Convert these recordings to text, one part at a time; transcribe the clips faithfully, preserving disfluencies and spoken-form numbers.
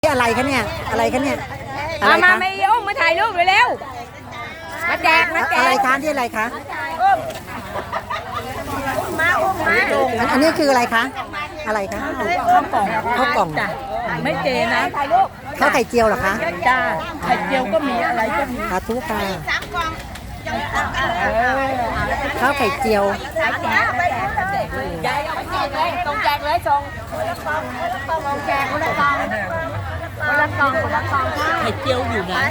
นี่อะไรคะเนี่ยอะไรคะเนี่ยอะไรมามาคะไม่อุ้มมาถ่ายรูปเร็วๆมาแจกมาแจกอะไรคะที่อะไรคะอุ้มมาอุ้มมาอันอันนี้คืออะไรคะอะไรคะข้าวกล่องข้าวกล่องจ้ะไม่เจนะถ่ายรูปข้าวไข่เจียวเหรอคะจ้าไข่เจียวก็มีอะไรก็มีสาธุค่ะข้าวไข่เจียวไปเลยยายเอาไปแจกเลยตรงแจกเลยส่งคนละกล่องคนละกล่องแจกคนละกล่องคนละกล่องคนละกล่องไข่เจียวอยู่ไหน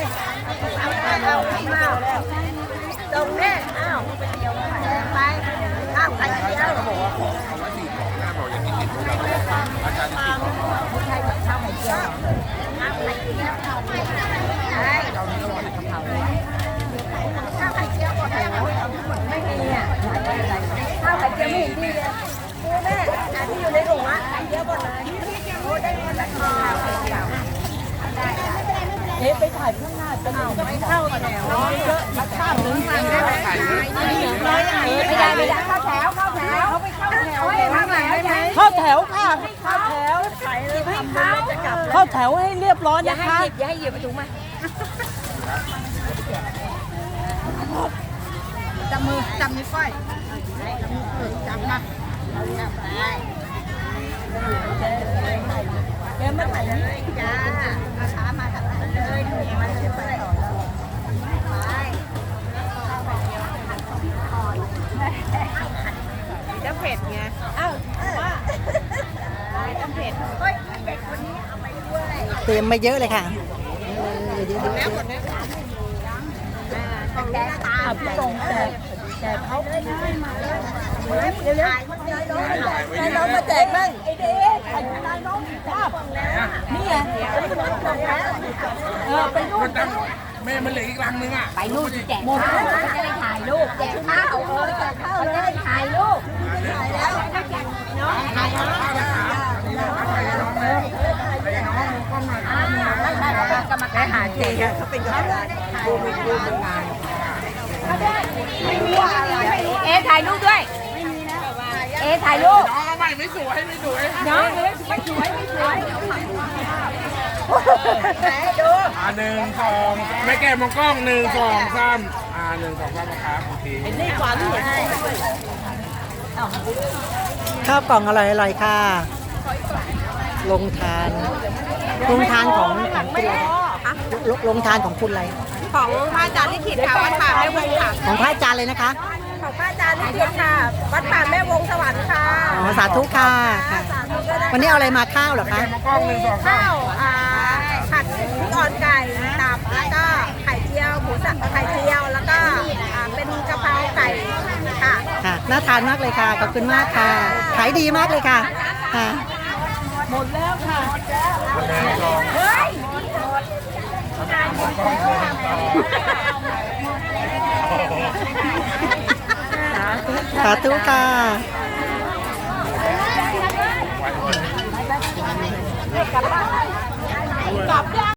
ตรงนี้อ้าวไปข้าวไข่เจียวไม่มีอ่ะข้าวไข่เจียวไม่เห็นดีเลยดูแม่อันที่อยู่ในถุงอ่ะไข่เจียวหมดเลยโอ้ได้คนละกล่องเอ๊ะไปถ่ายข้างหน้าจะเอาไม่เข้ากันแล้วเยอะมาข้ามนึงทางได้ไหมน้อยอย่างนี้ไม่ได้ไม่ได้เข้าแถวเข้าแถวเขาไปเข้าแถวข้างหลังได้ไหมเข้าแถวค่ะเข้าแถวให้เขาเข้าแถวให้เรียบร้อยอย่านะให้คะหยิบอย่าให้หยิบไปถุงมาจับมือจับนิ้วก้อยจับมาจับไปเดี๋ยวมาถ่ายเลยจ้ามาช้ามาถ่ายเลยมาเดี๋ยวไปต่อจะเผ็ดไงอ้าวว่าจะเผ็ดเฮ้ยเด็กคนนี้เอาไปด้วยเตรียมมาเยอะเลยค่ะเยอะแล้วหมดแล้วต้องแกตาอ่ะพี่ตรงแจกแจกเขาเร็วเร็วถ่ายมันเลยน้องให้น้องมาแจกมั่งไอเด็กถ่ายนายน้องภาพนี่ไงเออไปนู่นแม่มันเหลืออีกรังนึงอ่ะไปนู่นแจกข้าวจะได้ถ่ายรูปแจกข้าวเออแจกข้าวจะได้ถ่ายรูปถ่ายแล้วน้องถ่ายน้องกรรมการหาเจเขาเป็นกรรมการดูมีดูมีงานไม่มีอะไรเอถ่ายรูปด้วยเอถ่ายรูปน้องไม่ไม่สวยไม่สวยน้องไม่สวยไม่สวยไหนดูอ่าหนึ่งสองไม่แก้มองกล้องหนึ่งสองสามอ่าหนึ่งสองสามนะครับโอเคนี่กว่าที่เห็นข้าวกล่องอร่อยอร่อยค่ะลงทานลงทานของของคุณอะไรลงลงทานของคุณอะไรของพระอาจารย์ลิขิตค่ะวัดป่าแม่วงค่ะของพระอาจารย์เลยนะคะของพระอาจารย์ลิขิตค่ะวัดป่าแม่วงสวรรค์ค่ะอ๋อสาธุค่ะค่ะสาธุด้วยนะคะวันนี้เอาอะไรมาข้าวเหรอคะมองกล้องหนึ่งสองสาข้าม วอ่าผัดพริกอ่อนไก่ตับแล้วก็ไข่เจียวหมูสับไข่เจียวแล้วก็อ่าเป็นกะเพราไก่ค่ะค่ะน่าทานมากเลยค่ะขอบคุณมากค่ะขายดีมากเลยค่ะค่ะหมดแล้วค่ะหนึ่งสองเฮ้ยสาธุค่ะกลับบ้านกลับ